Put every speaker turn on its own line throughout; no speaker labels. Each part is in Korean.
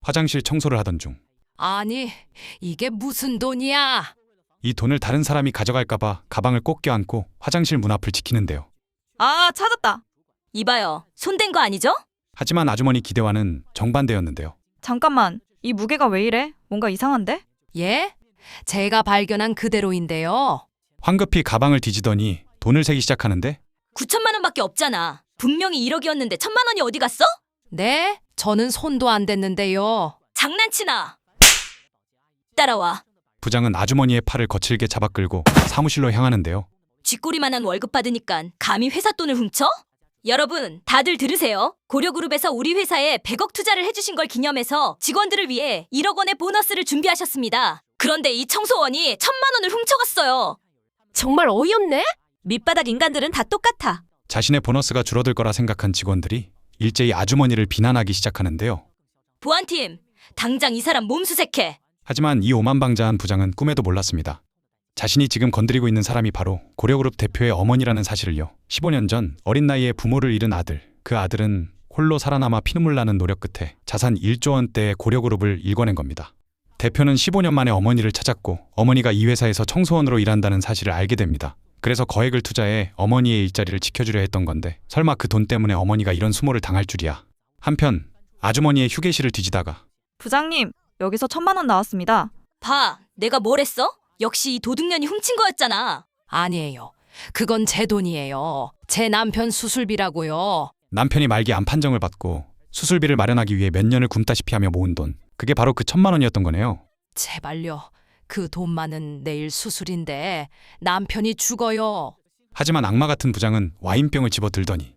화장실 청소를 하던 중 이
아니, 이게 무슨 돈이야?
돈을 다른 사람이 가져갈까봐 가방을 꼭 껴안고 화장실 문 앞을 지키는데요.
아, 찾았다.
이봐요. 손댄 거 아니죠?
하지만 아주머니 기대와는 정반대였는데요.
잠깐만. 이 무게가 왜 이래? 뭔가 이상한데?
예? 제가 발견한 그대로인데요.
황급히 가방을 뒤지더니 돈을 세기 시작하는데
9천만 원밖에 없잖아. 분명히 1억이었는데 1천만 원이 어디 갔어?
네? 저는 손도 안 댔는데요.
장난치나. 따라와.
부장은 아주머니의 팔을 거칠게 잡아 끌고 사무실로 향하는데요.
쥐꼬리만한 월급 받으니까 감히 회사 돈을 훔쳐? 여러분, 다들 들으세요. 고려그룹에서 우리 회사에 100억 투자를 해주신 걸 기념해서 직원들을 위해 1억 원의 보너스를 준비하셨습니다. 그런데 이 청소원이 1천만 원을 훔쳐갔어요.
정말 어이없네?
밑바닥 인간들은 다 똑같아.
자신의 보너스가 줄어들 거라 생각한 직원들이 일제히 아주머니를 비난하기 시작하는데요.
보안팀, 당장 이 사람 몸수색해.
하지만 이 오만방자한 부장은 꿈에도 몰랐습니다. 자신이 지금 건드리고 있는 사람이 바로 고려그룹 대표의 어머니라는 사실을요. 15년 전 어린 나이에 부모를 잃은 아들, 그 아들은 홀로 살아남아 피눈물 나는 노력 끝에 자산 1조 원대의 고려그룹을 일궈낸 겁니다. 대표는 15년 만에 어머니를 찾았고 어머니가 이 회사에서 청소원으로 일한다는 사실을 알게 됩니다. 그래서 거액을 투자해 어머니의 일자리를 지켜주려 했던 건데 설마 그 돈 때문에 어머니가 이런 수모를 당할 줄이야. 한편 아주머니의 휴게실을 뒤지다가
부장님, 여기서 1,000만 원 나왔습니다.
봐, 내가 뭘 했어? 역시 이 도둑년이 훔친 거였잖아.
아니에요. 그건 제 돈이에요. 제 남편 수술비라고요.
남편이 말기 암 판정을 받고 수술비를 마련하기 위해 몇 년을 굶다시피 하며 모은 돈, 그게 바로 그 1,000만 원이었던 거네요.
제발요. 그 돈만은 내일 수술인데 남편이 죽어요.
하지만 악마 같은 부장은 와인병을 집어들더니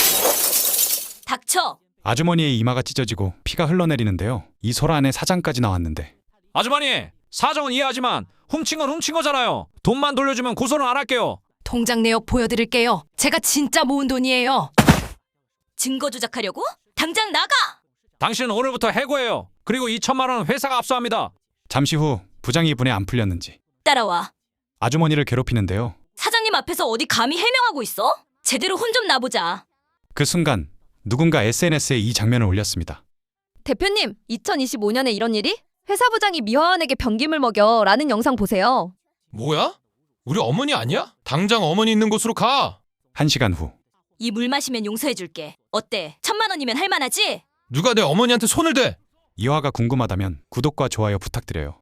닥쳐.
아주머니의 이마가 찢어지고 피가 흘러내리는데요. 이 소라 안에 사장까지 나왔는데
아주머니, 사정은 이해하지만 훔친 건 훔친 거잖아요. 돈만 돌려주면 고소는 안 할게요.
통장 내역 보여드릴게요. 제가 진짜 모은 돈이에요.
증거 조작하려고? 당장 나가!
당신은 오늘부터 해고해요. 그리고 2천만 원은 회사가 압수합니다.
잠시 후 부장이 분에 안 풀렸는지
따라와.
아주머니를 괴롭히는데요.
사장님 앞에서 어디 감히 해명하고 있어? 제대로 혼 좀 나보자.
그 순간 누군가 SNS에 이 장면을 올렸습니다.
대표님, 2025년에 이런 일이? 회사 부장이 미화원에게 변기물 먹여 라는 영상 보세요.
뭐야? 우리 어머니 아니야? 당장 어머니 있는 곳으로 가.
1시간 후
이 물 마시면 용서해줄게. 어때? 1,000만 원이면 할만하지?
누가 내 어머니한테 손을 대?
이화가 궁금하다면 구독과 좋아요 부탁드려요.